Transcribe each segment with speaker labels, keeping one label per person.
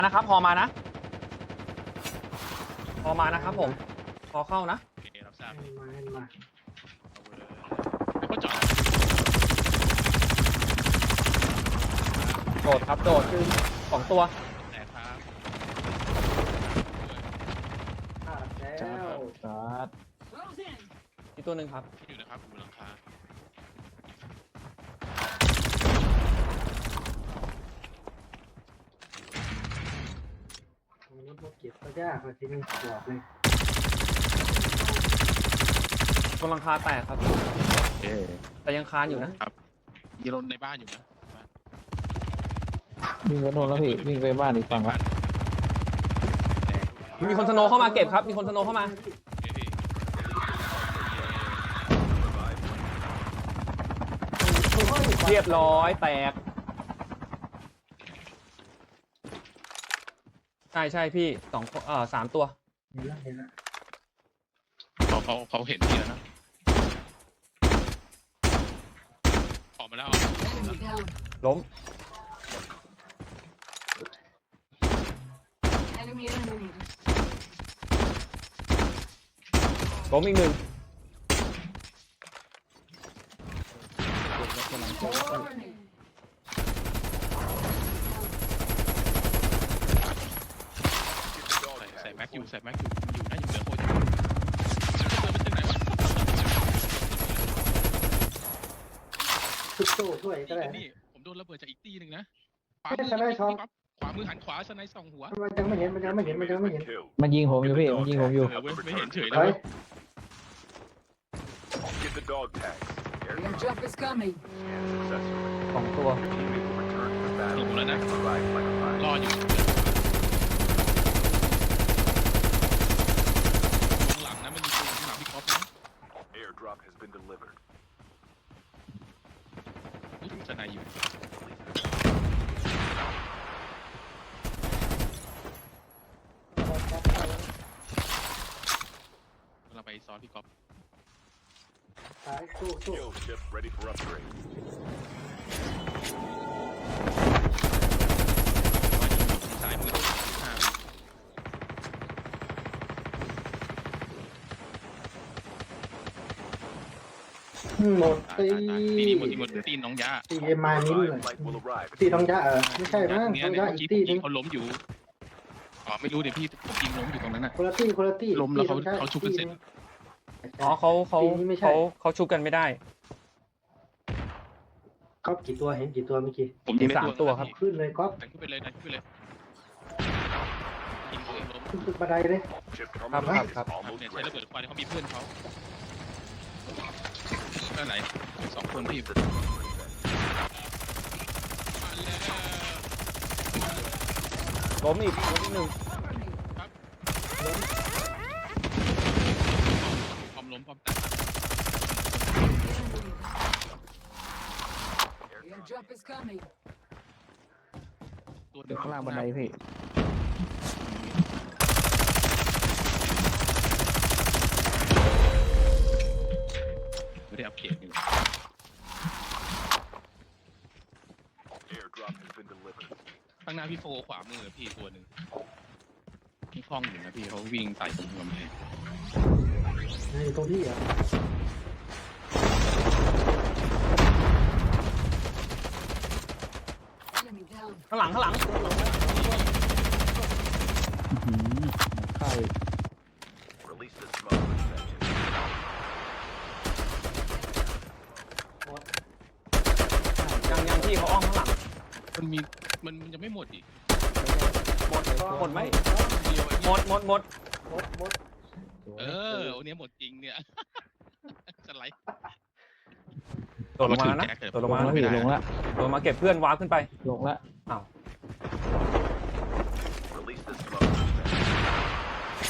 Speaker 1: นะครับพอมานะพอมานะครับผมพอเข้านะ
Speaker 2: โอเครับทราบ
Speaker 3: ให้มาให้มา
Speaker 2: แล้วก็จอด
Speaker 1: โดดครับโดดสองตัว
Speaker 2: แต่ครับ
Speaker 3: ขาดแล้ว
Speaker 4: ชาร์จ
Speaker 1: อีกตัวหนึ่งครับ
Speaker 2: ที่อยู่นะครับอยู่หลังคา
Speaker 3: มันรถเก็บก็ยากเลยทีนี้บอกเลย
Speaker 1: บนหลังคาแตกครับ
Speaker 4: เอ๊ะ
Speaker 1: แต่ยังคานอยู่นะ
Speaker 2: มีรถในบ้านอยู่นะ
Speaker 4: วิ่งไปโน่นแล้วพี่วิ่งไปบ้านอีกฝั่ง
Speaker 2: บ้า
Speaker 4: ละ
Speaker 2: น
Speaker 1: มีคนสโนว์เข้ามาเก็บครับมีคนสโนว์เข้ามา
Speaker 2: เฮ้ย
Speaker 1: เรียบร้อยแตกใช่พี่สามตัว
Speaker 3: เห็นแล้วเห็นแล้ว
Speaker 2: เขาเห็นพี่แล้วนะออกมาแล้ว
Speaker 5: Enemy down.
Speaker 1: ล้ม
Speaker 5: Enemy eliminated.
Speaker 1: ล้มอีกหนึ่ง
Speaker 5: Warning.
Speaker 2: ใส่แม็กอยู่ใส่แม็กอยู่อยู่นะอยู่เหนือโคตรเดินไปที่ไหนวะ
Speaker 3: ทุกโซ่ช่วยก็ได้
Speaker 2: นี่ผมโดนระเบิดจากอีกตีหนึ่งนะข
Speaker 3: ไม่ใช่ไม่ชอบ
Speaker 2: วามือหันขวาสไนด์สองหัว
Speaker 3: มันยังไม่เห็นมันยังไม่เห็นมันยังไม่เห็น
Speaker 4: มันยิงผมอยู่พี่มันยิงผมอยู่
Speaker 2: เว้ยไม่เห็นเฉยเล
Speaker 3: เฮ้
Speaker 2: ย
Speaker 3: ย
Speaker 6: Get the dog tag.
Speaker 5: Airdrop is coming.
Speaker 1: สองตัว
Speaker 6: Teammate will return to the
Speaker 2: ล
Speaker 6: battle.
Speaker 2: งแล้วนะ
Speaker 6: Revive like a
Speaker 2: รอ
Speaker 6: fight.
Speaker 2: อยู่หลังนะมันมีตัวหลังพี่ก๊อฟนะ
Speaker 6: Airdrop has been delivered.
Speaker 2: รู้สึกสไนด์อยู่เราไปซ้อนพี่ก๊อฟ
Speaker 3: สายสู้สู้
Speaker 6: Skill ship ready for upgrade.
Speaker 2: สายมือข้าง
Speaker 3: หมดตี
Speaker 2: ตีหมดตีน้องยา
Speaker 3: ตีเอ็มมานิ้นเลย
Speaker 6: Revived flight will arrive.
Speaker 3: ตีต้องยะไม่ใช่มั้ง
Speaker 2: เนี่ย
Speaker 3: ต้อง
Speaker 2: เนี่ย
Speaker 3: ยะ
Speaker 2: เมื่อ
Speaker 3: อี
Speaker 2: กี้
Speaker 3: กตีนึง
Speaker 2: เขาล้มอยู่อ๋อไม่รู้เดี๋ยวพี่ผมยิงล้มอยู่ตรงนั้นน่ะ
Speaker 3: คนละตีคนละตี
Speaker 2: ล้มแล้วเขาชุบกันเสร็จ
Speaker 1: อ๋อเขาชุบกันไม่ได้
Speaker 3: ก๊อฟกี่ตัวเห็นกี่ตัวเมื่อกี้
Speaker 2: ผมยิง
Speaker 1: มีสามตัวครับ
Speaker 3: ขึ้นเลยก๊อฟ
Speaker 2: ดันขึ้นไปเลยดันขึ้นไปเลยยิงตัวเองล้ม
Speaker 3: ขึ้นตึกบันไดเลย
Speaker 6: Chip
Speaker 1: ครับ
Speaker 6: terminal
Speaker 1: ครับ
Speaker 6: is
Speaker 2: เนี่ย
Speaker 6: almost
Speaker 2: ใช้ระเบิ
Speaker 6: ready.
Speaker 2: ดควันเขามีเพื่อนเขาด้านไหนสองคนพี่
Speaker 1: ล้มอีกหนึ่ง
Speaker 2: พร้อมล้มพร้อมแตก
Speaker 5: Airdrop is coming.
Speaker 2: ตัวห
Speaker 4: เดี๋
Speaker 2: นึ่
Speaker 4: ยวข้างล่างบันไดพี่
Speaker 2: ไม่ได้อัปเกรดอยู่
Speaker 6: Airdrop has been delivered.
Speaker 2: ข้างหน้าพี่โฟขวามือพี่ตัวหนึ่งที่คล้องอยู่นะพี่เขาวิ่งไต่ตรงกำแพง
Speaker 3: ในตรงที่อ่ะ
Speaker 5: Enemy down.
Speaker 1: ข้างหลัง
Speaker 4: อื้อหือเข้าอีก
Speaker 6: Release the smoke for seconds.
Speaker 1: ยังพี่เขาอ้อมข้างหลัง
Speaker 2: มันมีมันยังไม่หมดอีก
Speaker 1: หมดไหม
Speaker 2: เดียว
Speaker 1: หมด
Speaker 3: หมด
Speaker 2: เออวันนี้หมดจริงเนี่ยสไลด์
Speaker 1: โดดลงมาแล้วนะโดดลงมา
Speaker 4: ลง
Speaker 1: แล้ว
Speaker 4: แล้วพี่ลงแล้ว
Speaker 1: โดดมาเก็บเพื่อนว้าร์ปขึ้นไป
Speaker 4: ลงแล้ว
Speaker 1: อ้าว
Speaker 6: Release the smoke for seconds.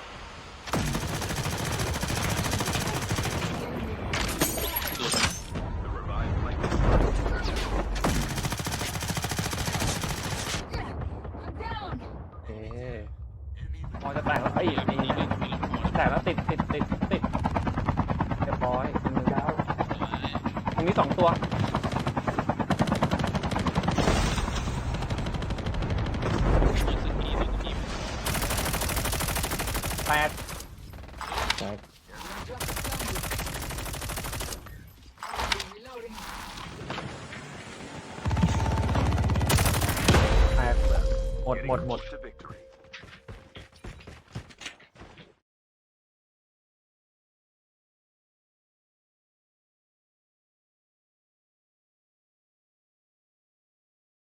Speaker 2: ตัว
Speaker 6: The revived flight will
Speaker 5: I'm down.
Speaker 1: โอเคพอจะแตกแล้วไอ้
Speaker 2: มี
Speaker 1: นี่ แตกแล้วติดเรียบร้อยมือยาวตรงนี้สองตัวแตก
Speaker 4: แตก
Speaker 5: Airdrop is coming. Reloading.
Speaker 1: แตกหมด
Speaker 6: Getting
Speaker 1: หมดหมด
Speaker 6: close to victory.